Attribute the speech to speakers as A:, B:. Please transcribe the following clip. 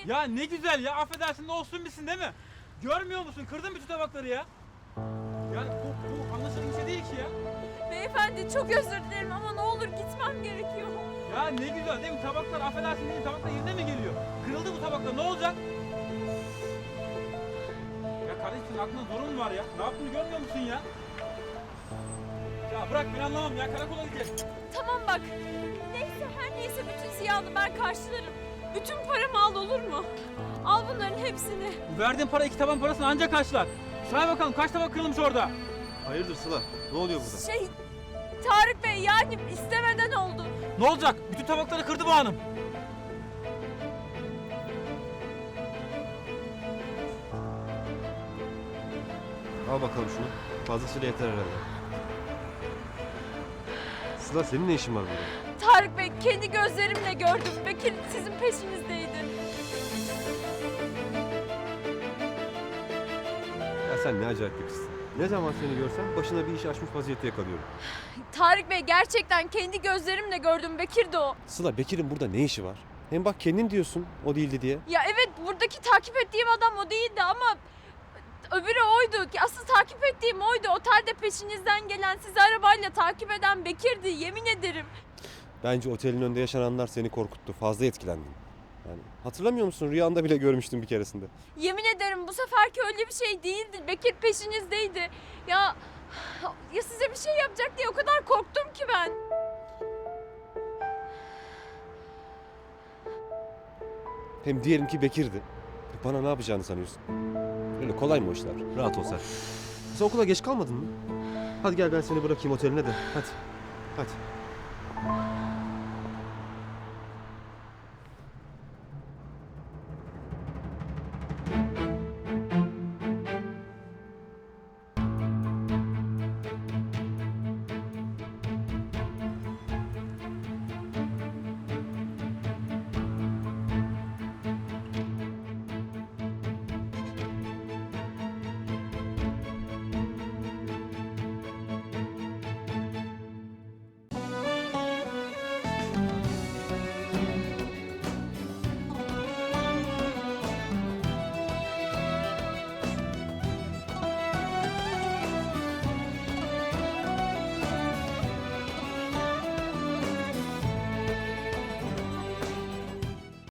A: Ya ne güzel ya, affedersin, ne olsun bilsin değil mi? Görmüyor musun? Kırdın bütün tabakları ya. Yani bu anlaşılır bir şey değil ki ya.
B: Beyefendi çok özür dilerim ama ne olur gitmem gerekiyor.
A: Ya ne güzel değil mi? Tabaklar, affedersin değil mi? Tabaklar yerine mi geliyor? Kırıldı bu tabaklar, ne olacak? Ya kardeşim, senin aklında zorun mu var ya? Ne yaptığını görmüyor musun ya? Ya bırak, ben anlamam ya, karakola gideceğiz.
B: Tamam bak. Neyse her neyse bütün ziyanı ben karşılarım. Bütün paramı al olur mu? Al bunların hepsini.
A: Bu verdiğin para 2 taban parasını ancak karşılar. Say bakalım kaç tabak kırılmış orada?
C: Hayırdır Sıla? Ne oluyor burada?
B: Tarık Bey yani istemeden oldu.
A: Ne olacak? Bütün tabakları kırdı bu hanım.
C: Al bakalım şunu. Fazlasıyla yeter herhalde. Sıla senin ne işin var burada?
B: Tarık Bey kendi gözlerimle gördüm. Bekir sizin peşinizdeydi.
C: Ya sen ne acayip bir kızsın. Ne zaman seni görsem başına bir iş açmış vaziyette yakalıyorum.
B: Tarık Bey gerçekten kendi gözlerimle gördüm. Bekir de o.
C: Sıla Bekir'in burada ne işi var? Hem bak kendin diyorsun o değildi diye.
B: Ya evet buradaki takip ettiğim adam o değildi ama öbürü oydu. Asıl takip ettiğim oydu. Otelde peşinizden gelen, sizi arabayla takip eden Bekir'di. Yemin ederim.
C: Bence otelin önünde yaşananlar seni korkuttu. Fazla etkilendin. Yani hatırlamıyor musun? Rüyanda bile görmüştüm bir keresinde.
B: Yemin ederim bu seferki öyle bir şey değildi. Bekir peşinizdeydi. Ya size bir şey yapacak diye o kadar korktum ki ben.
C: Hem diyelim ki Bekir'di. Bana ne yapacağını sanıyorsun? Öyle kolay mı o işler? Rahat ol sen. Sen okula geç kalmadın mı? Hadi gel ben seni bırakayım oteline de. Hadi. Hadi.